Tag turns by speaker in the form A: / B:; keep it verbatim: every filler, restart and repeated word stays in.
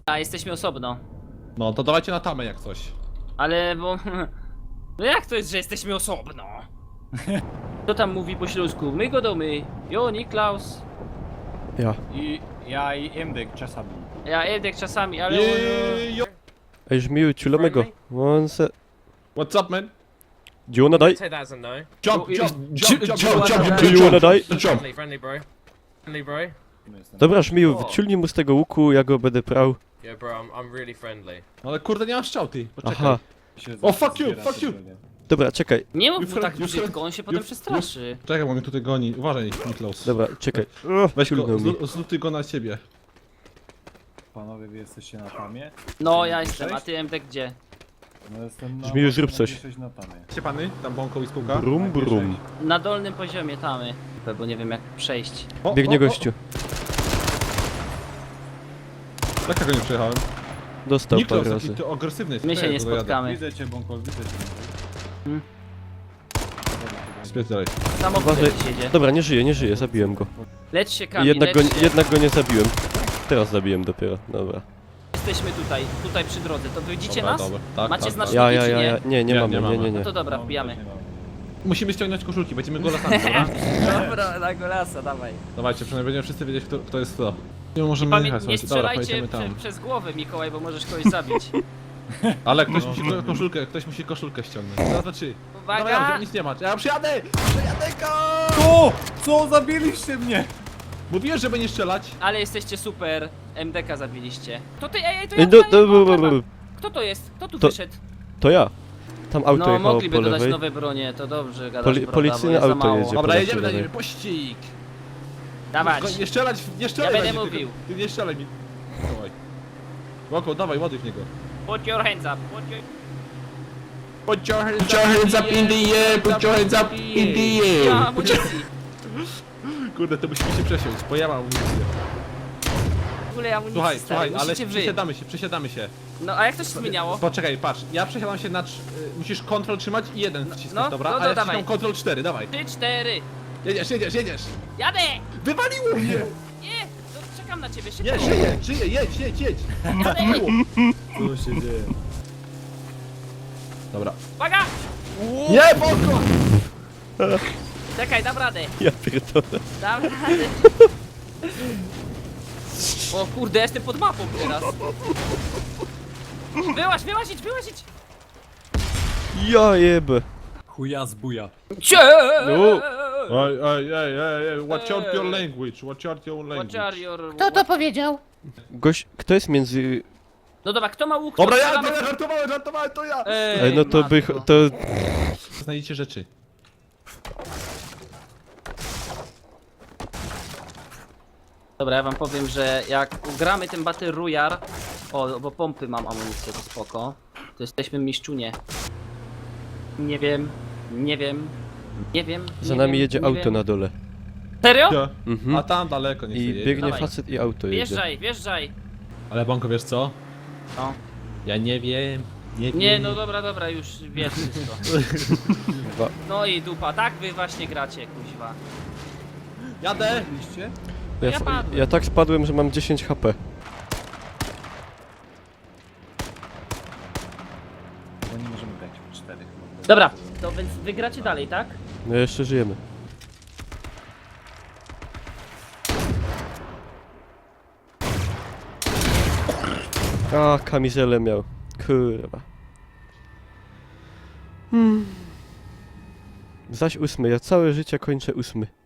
A: A jesteśmy osobno.
B: No to dawajcie na tamę jak coś.
A: Ale bo... No jak to jest, że jesteśmy osobno? Kto tam mówi po śląsku? My go domy. Jo, Niklaus.
C: Ja.
D: I ja i Emdek czasami.
A: Ja Edek czasami, ale...
B: Jejo.
C: Ej, żmiły, ciulamego. One se...
B: What's up, man?
C: Do you wanna die?
E: Take that as a no.
B: Jump,
A: Ju-
B: jump,
A: ju-
B: jump,
A: ju-
B: jump,
A: ju-
B: jump, jump,
C: Do you
B: jump,
C: wanna die?
B: jump.
E: Friendly, friendly bro. Friendly bro.
C: Dobra, żmiły,
B: O.
C: wyciulnij mu z tego łuku, ja go będę prał.
E: Yeah bro, I'm, I'm really friendly.
B: No ale kurde nie masz strzał ty, poczekaj.
C: Aha.
B: O, fuck you, fuck you.
C: Dobra, czekaj.
A: Nie mów
B: Już
A: mu tak
B: fra- już
A: brzydko, on się potem
B: już-
A: przestraszy.
B: Czekaj, bo mnie tutaj goni. Uważaj, Niklaus.
C: Dobra, czekaj. O,
B: Weź go,
C: ciulnął mi.
B: zlu- zlutuj go na ciebie.
D: Panowie, wy jesteście na tamie?
A: No ja jestem, a ty Edek gdzie?
D: No jestem na...
C: Żmiu, zrób coś.
D: Jesteś na tamie.
B: Gdzie pany? Tam bąką i spółka?
C: Brum, brum.
A: Na dolnym poziomie tamy. Bo nie wiem jak przejść.
B: O,
C: Biegnie
B: o, o.
C: gościu.
B: Dlaczego nie przejechałem?
C: Dostał
B: Niklaus,
C: parę
B: jaki
C: razy.
B: ty agresywny jest.
A: My się
B: Czekaj,
A: nie
B: go dojadę.
A: spotkamy.
D: Widzę cię, Bąkol, widzę cię.
A: Hmm.
B: Spierdalaj.
A: Samochód
C: Uważaj.
A: jakiś jedzie.
C: Dobra, nie żyje, nie żyje, zabiłem go.
A: Lecz się Kamil,
C: Jednak go,
A: lecz się.
C: jednak go nie zabiłem. Teraz zabiłem dopiero, dobra.
A: Jesteśmy tutaj, tutaj przy drodze. To widzicie
B: Dobra,
A: nas?
B: dobra. Tak,
A: Macie
B: tak,
A: znaczniki
C: Ja, ja,
A: czy
C: ja,
A: nie?
C: ja. Nie, nie
B: Nie,
C: mamy,
B: nie
C: nie,
B: mamy.
C: nie, nie.
A: No to dobra,
D: No,
A: wbijamy.
D: właśnie mamy.
B: Musimy ściągnąć koszulki, będziemy golasami, dobra?
A: Dobra, na golasa, dawaj.
B: Dawajcie, przynajmniej będziemy wszyscy wiedzieć kto, kto jest kto. Nie możemy
A: Pamię
B: jechać,
A: nie
B: słuchajcie. Dobra,
A: strzelajcie
B: pojedziemy tam.
A: prze przez głowę, Mikołaj, bo możesz kogoś zabić.
B: Ale ktoś musi ko- koszulkę, ktoś musi koszulkę ściągnąć. To znaczy. Dobra, ja
A: Uwaga!
B: nic nie ma. Ja przyjadę! Przyjadę go!
D: O! Co? Zabiliście mnie!
B: Mówiłem, żeby nie strzelać.
A: Ale jesteście super. M D K zabiliście. To ty, ej, ej, to ja
C: Ej, do,
A: tutaj,
C: do,
A: o,
C: do,
A: dobra.
C: do,
A: Kto to jest? Kto tu
C: To-
A: wyszedł?
C: To ja. Tam auto
A: No,
C: jechało
A: mogliby
C: po
A: dodać
C: lewej.
A: nowe bronie, to dobrze gadasz,
C: Poli-
A: prawda,
C: policyjne
A: bo jest za
C: auto
A: mało.
C: jedzie.
B: Dobra,
C: po
B: jedziemy na
C: lewej.
B: niebie, pościg!
A: Dawać.
B: Tylko nie strzelać, nie strzelaj
A: Ja
B: na
A: będę
B: niego,
A: mówił.
B: tylko- Ty nie strzelaj mi. Dawaj. Łoko, dawaj, ładuj w niego.
A: Put your hands up. Put your...
B: Put your hands up in the air, put your hands up in the
A: Nie ma
B: air.
A: amunicji.
B: Kurde, to musimy się przesiąść, bo ja mam amunicję.
A: W ogóle amunicji,
B: Słuchaj,
A: stary,
B: słuchaj, ale
A: musicie wy.
B: przesiadamy się, przesiadamy się.
A: No, a jak to się zmieniało?
B: Poczekaj, patrz, ja przesiadam się na... trz- y, musisz kontrol trzymać i jeden wciskać,
A: no,
B: dobra?
A: no,
B: A
A: no,
B: ja
A: dawaj.
B: wciskam kontrol cztery, dawaj.
A: Trzy, cztery.
B: Jedziesz, jedziesz, jedziesz.
A: Jadę!
B: Wywaliło mnie!
A: Nie! To czekam na ciebie, szybko.
B: Nie, żyję, żyję, jedź, jedź, jedź.
A: Jadę!
D: Co się dzieje?
B: Dobra.
A: Uwaga!
B: Nie, Boko!
A: Czekaj, dam radę.
C: Ja pierdolę.
A: Dam radę. O kurde, ja jestem pod mapą teraz. Wyłaź, wyłazić, wyłazić!
C: Ja jebę.
D: Chuja z buja.
A: Cie!
C: No.
B: Ej, ej, ej, ej, ej, watch out your language, watch out your
A: What are
B: language.
A: your...
F: Kto to powiedział?
C: Gość, kto jest między...
A: No dobra, kto ma łuk?
B: Dobra,
A: to
B: ja,
A: strzelamy-
B: dobra, żartowałem, żartowałem, to ja!
A: Ej,
C: Ej, no to by...
A: matko.
C: to...
B: Znajdziecie rzeczy.
A: Dobra, ja wam powiem, że jak ugramy ten Battle Royale, o, bo pompy mam amunicję, to spoko, to jesteśmy mistrzunie. Nie wiem, nie wiem, nie wiem.
C: Za
A: nie
C: nami
A: wiem,
C: jedzie
A: nie
C: auto
A: wiem.
C: na dole.
A: Serio?
B: Ja.
C: Mhm.
B: A tam daleko nie
C: I
B: chce jedzie.
C: biegnie
A: Dawaj.
C: facet i auto jedzie.
A: Wjeżdżaj, wjeżdżaj.
B: Ale Banko, wiesz co?
A: No.
B: Ja nie wiem, nie wiem.
A: Nie, no dobra, dobra, już wiesz wszystko.
C: Dwa.
A: No i dupa, tak wy właśnie gracie, kuźwa.
B: Jadę!
D: Liście?
C: Ja,
A: Ja
C: f-
A: padłem.
C: ja tak spadłem, że mam dziesięć H P.
D: Bo nie możemy grać w czterech.
A: Dobra, to więc wygracie dalej, tak?
C: No jeszcze żyjemy. A, kamizelę miał. Kurwa. Hmm. Zaś ósmy, ja całe życie kończę ósmy.